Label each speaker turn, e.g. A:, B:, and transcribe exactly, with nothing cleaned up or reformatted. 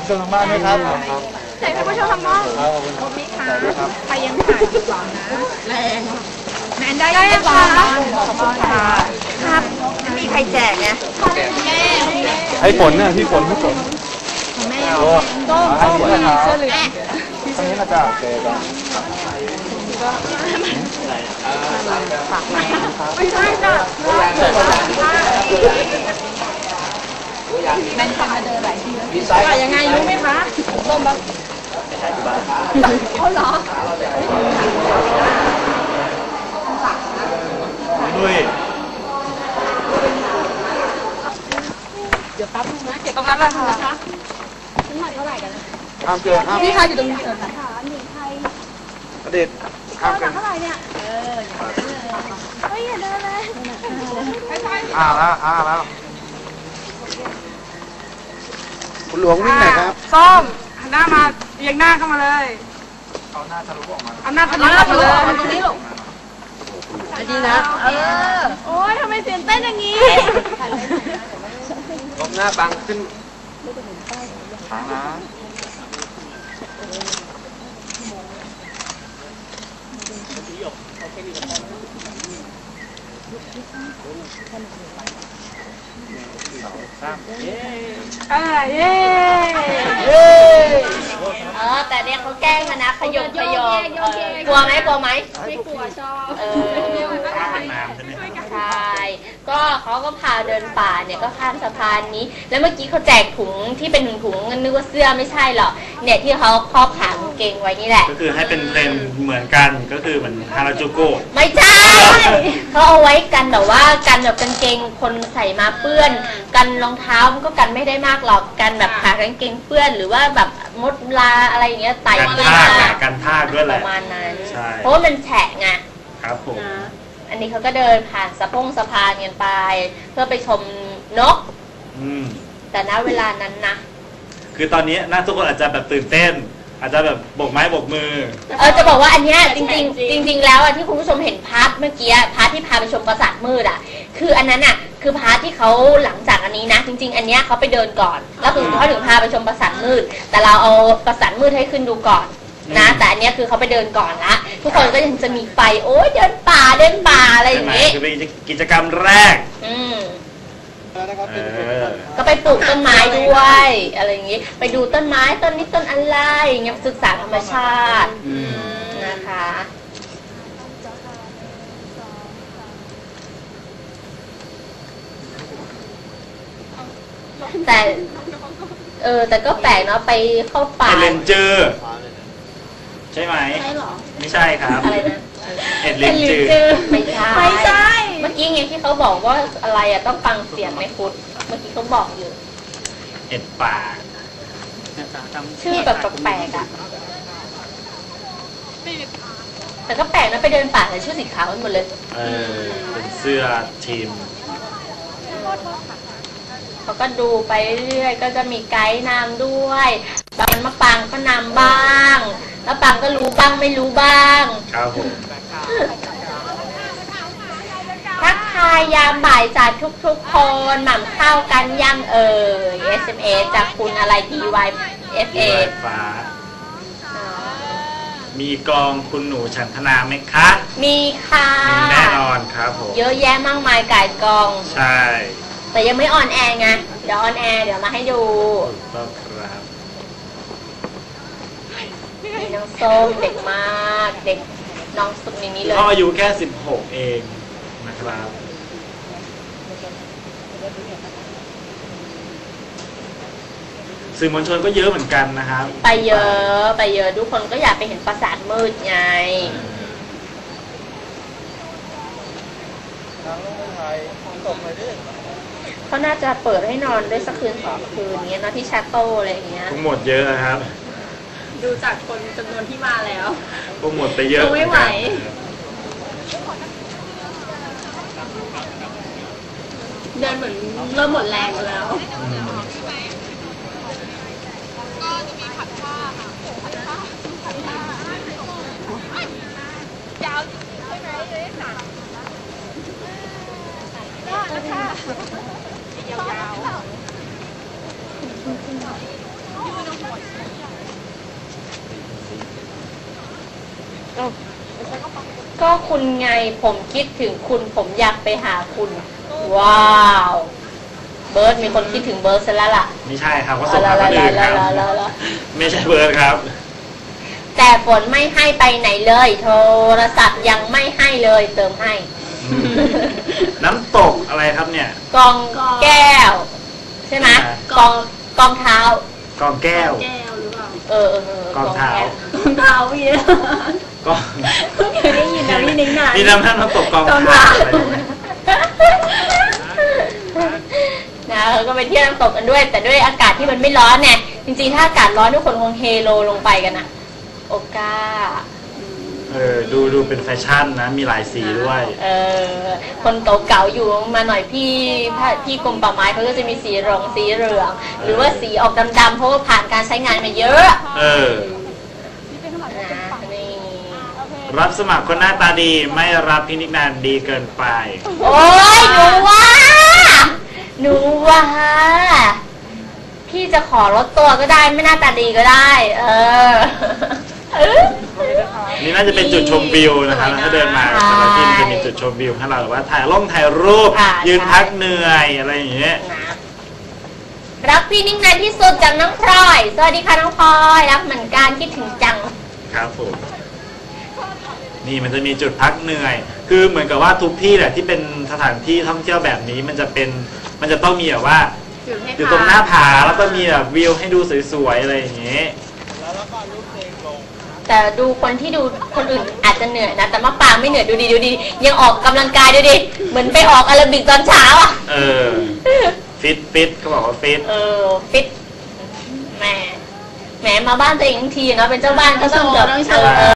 A: ชมทางบ้านด้วยครับ
B: ใส่ผู้ชมทางบ้านครบไหมคะใครยังถ่ายอยู่บ้างนะแรงแมนได้ยังคะขอบคุณค่ะครับไม่มีใครแจกไงแม่
A: ให้ฝนเนี่ยพี่ฝนพี่ฝน
B: แม่
A: ต้มต้มเสื้อเหลืองตรงนี้นะจ๊ะโอเคจ้ะ
B: ไม่ใช่จ้ะแมนจะมาเดินหลายทีแล้วยังไงรู้ไหมคะต้มบ้างเขาเหรอ
A: ด้วย
B: เดี๋ยวแป๊บนึงนะเก็บตรงนั้นเลยค่ะน้ำหนักเท่าไหร่กันนะ
A: ห้ามเกินห้าม
B: พี่คะอยู่ตรงนี้ค่ะหนึ่งไทย
A: อดีตห้ามเกิน
B: เท่าไหร่เนี่ยเออเฮ้ยอย่าเดินเลย
A: อ่าแล้วอ่าแล้วคุณหลวงวิ่งไหนครับ
B: ส้มหันหน้ามาเอียงหน้าเข้ามาเลย
A: เอาหน้าทะลุออกมา
B: เอาหน้าทะลุออกมาเลยตรงนี้ลูกดีนะเออโอ้ยทำไมเสียงเต้นอย่างนี้
A: ก้มหน้าบังขึ้นนะ
B: เออเย้
C: เออแต่เนี่ยเขาแกล้งกันนะขยมขยมกลัวไหมกลัวไหม
B: ไม่กลัวชอบ
C: เออใช่ก็เขาก็พาเดินป่าเนี่ยก็ข้ามสะพานนี้แล้วเมื่อกี้เขาแจกถุงที่เป็นถุงถุงนึกว่าเสื้อไม่ใช่หรอกเนี่ยที่เขาครอบขากางเกงไว้นี่แหละ
D: ก็คือให้เป็นเทรนเหมือนกันก็คือเหมือนฮาราจูโกะ
C: ไม่ใช่เขาเอาไว้กันแบบว่ากันแบบกางเกงคนใส่มาเปื้อนกันรองเท้ามันก็กันไม่ได้มากหรอกกันแบบขากางเกงเปื้อนหรือว่าแบบมดลาอะไรอย่างเงี้ยไต่
D: กันท่ากันท่าด้วยแหละ
C: ประมาณนั้น
D: ใช่
C: เพราะว่ามันแฉะไง
D: ครับผม
C: อันนี้เขาก็เดินผ่านสะพงสะพานกันไปเพื่อไปชมนกแต่ณเวลานั้นนะ
D: คือตอนนี้น่าทุกคนอาจจะแบบตื่นเต้นอาจจะแบบโบกไม้โบกมือ
C: เออจะบอกว่าอันเนี้ยจริงๆจริงๆแล้วอ่ะที่คุณผู้ชมเห็นพาร์ทเมื่อกี้พาร์ทที่พาไปชมปราสาทมืดอ่ะคืออันนั้นอ่ะคือพาร์ทที่เขาหลังจากอันนี้นะจริงๆอันเนี้ยเขาไปเดินก่อนแล้วถึงเขาถึงพาไปชมปราสาทมืดแต่เราเอาปราสาทมืดให้ขึ้นดูก่อนนะแต่อันเนี้ยคือเขาไปเดินก่อนละทุกคนก็ยังจะมีไฟโอ้ยเดินป่าเดินป่าอะไรอย่างเงี้ย
D: คือเป็นกิจกรรมแรก
C: อืมก็ไปปลูกต้นไม้ด้วยอะไรอย่างงี้ไปดูต้นไม้ต้นนี้ต้นอะไรอย่างเงี้ยศึกษาธรรมชาตินะคะแต่เออแต่ก็แปลกเนาะไปเข้าป่า
D: เรนเจอร์ใช่ไหม
C: ใช่หรอ
D: ไม่ใช่ครับ
C: อะไรนะ
D: เอ็ดเรนเจอร์
C: ไม่ใช่
B: ไม่ใช่
C: เมื่อกี้ไงที่เขาบอกว่าอะไรอ่ะต้องฟังเสียงในฟุตเมื่อกี้เขาบอกอยู่
D: เอ็ดป่า
C: ชื่อแบบแปลกๆอ่ะแต่ก็แปลกนะไปเดินป่าแต่ชื่อสีขาวกันหมดเลย
D: เออเป็นเสื้อทีม
C: เขาก็ดูไปเรื่อยก็จะมีไกด์นำด้วยบางมะปางก็นำบ้างแล้วปางก็รู้บ้างไม่รู้บ้าง
D: ครับผม
C: ทักทายยามบ่ายจากทุกๆคนหม่ำข้าวกันย่ำเอ่ย เอส เอ็ม เอส จากคุณอะไร ดี วาย เอฟ เอ
D: ฟ้ามีกองคุณหนูฉันทนาไหมคะ
C: มีค่ะ
D: มีแน่นอนครับผม
C: เยอะแยะมากมายก่ายกอง
D: ใช่
C: แต่ยังไม่ออนแอร์ไงเดี๋ยวออนแอร์เดี๋ยวมาให้ดู
D: ต้องครับ
C: มีน้องส้มเด็กมากเด็กน้องสุดในนี้เลย
D: ก็อายุแค่สิบหกเองนะครับสื่อมวลชนก็เยอะเหมือนกันนะครับ
C: ไปเยอะไปเยอะทุกคนก็อยากไปเห็นปราสาทมืดไงเขาน่าจะเปิดให้นอนได้สักคืนสองคืนเงี้ยนะที่ชาโต้อะไรอย่างเงี้ย
D: ทั้งหมดเยอะนะครับ
B: ดูจากคนจำนวนที่มาแล้ว
D: พวกหมดไปเยอะ
B: ไม่ไหวเดินเหมือนเริ่มหมดแรงแล้วก็จะมีผัดผ้าค่ะผัดผ้าผัดผ้ายาวใช่ไหมเลยค่ะก็นะคะยาวๆ
C: คุณไงผมคิดถึงคุณผมอยากไปหาคุณว้าวเบิร์ดมีคนคิดถึงเบิร์ดซะแล้วล่ะ
D: ไม่ใช่ครับเขาส่งมาคนอื่นครับไม่ใช่เบิร์ดครับ
C: แต่ฝนไม่ให้ไปไหนเลย โทรศัพท์ยังไม่ให้เลยเติมให้
D: น้ำตกอะไรครับเนี่ย
C: กองแก้ว ใช่ไหมกองกองเท้าก
D: องแก้ว
B: แก้วหรือเปล่า
C: เออเออเออก
D: องเท้า
B: รองเท้าพี่
D: ก็
B: เคยได้ยินนะพี่นิ้งนาน
D: มีน้ำท่านน้ำตกกอง
B: กอง
D: เท้า
B: เท้า
D: อะไรอย่างเงี้ย
C: นะเราก็ไปเที่ยวน้ำตกกันด้วย แต่ด้วยอากาศที่มันไม่ร้อนเนี่ยจริงๆถ้าอากาศร้อนทุกคนคงเฮโลลงไปกันอะโอกา
D: เออดูดูเป็นแฟชั่นนะมีหลายสีด้วย
C: เออคนเก่าๆอยู่มาหน่อยพี่พี่กรมป่าไม้เขาก็จะมีสีเหลืองสีเหลืองหรือว่าสีออกดำๆเพราะว่าผ่านการใช้งานมาเยอะ
D: เออ
C: นะนี่
D: รับสมัครคนหน้าตาดีไม่รับพินิจนานดีเกินไป
C: โอ้ยหนูว่าหนูว่าพี่จะขอลดตัวก็ได้ไม่หน้าตาดีก็ได้ เออ
D: นี่น่าจะเป็นจุดชมวิวนะครับถ้าเดินมาแต่ละที่มันจะมีจุดชมวิวให้เราแบบว่าถ่ายลงถ่ายรูป
C: อ่า
D: ยืน
C: ใช่
D: พักเหนื่อยอะไรอย่างเงี้ย
C: นะรักพี่นิ่งนานที่สุดจากน้องพลอยสวัสดีค่ะน้องพลอยรักเหมือนกันคิดถึงจัง
D: ครับผม นี่มันจะมีจุดพักเหนื่อย คือเหมือนกับว่าทุกที่แหละที่เป็นสถานที่ท่องเที่ยวแบบนี้มันจะเป็นมันจะต้องมีแบบว่าอยู่ตรงหน้าผาแล้วก็มีแบบวิวให้ดูสวยๆอะไรอย่างเงี้ย
C: แต่ดูคนที่ดูคนอื่นอาจจะเหนื่อยนะแต่มะปรางไม่เหนื่อยดูดีดูดียังออกกำลังกายดูดิเหมือนไปออกแอโรบิกตอนเช้าอ่ะ
D: เออ ฟิตฟิตเขาบอกว่าฟิต
C: เออฟิตแหมแหมมาบ้านตัวเองทั้งทีเนาะเป็นเจ้าบ้านก็ต้องแบบ
B: ต้องโช
C: เอ
B: ว์
C: อ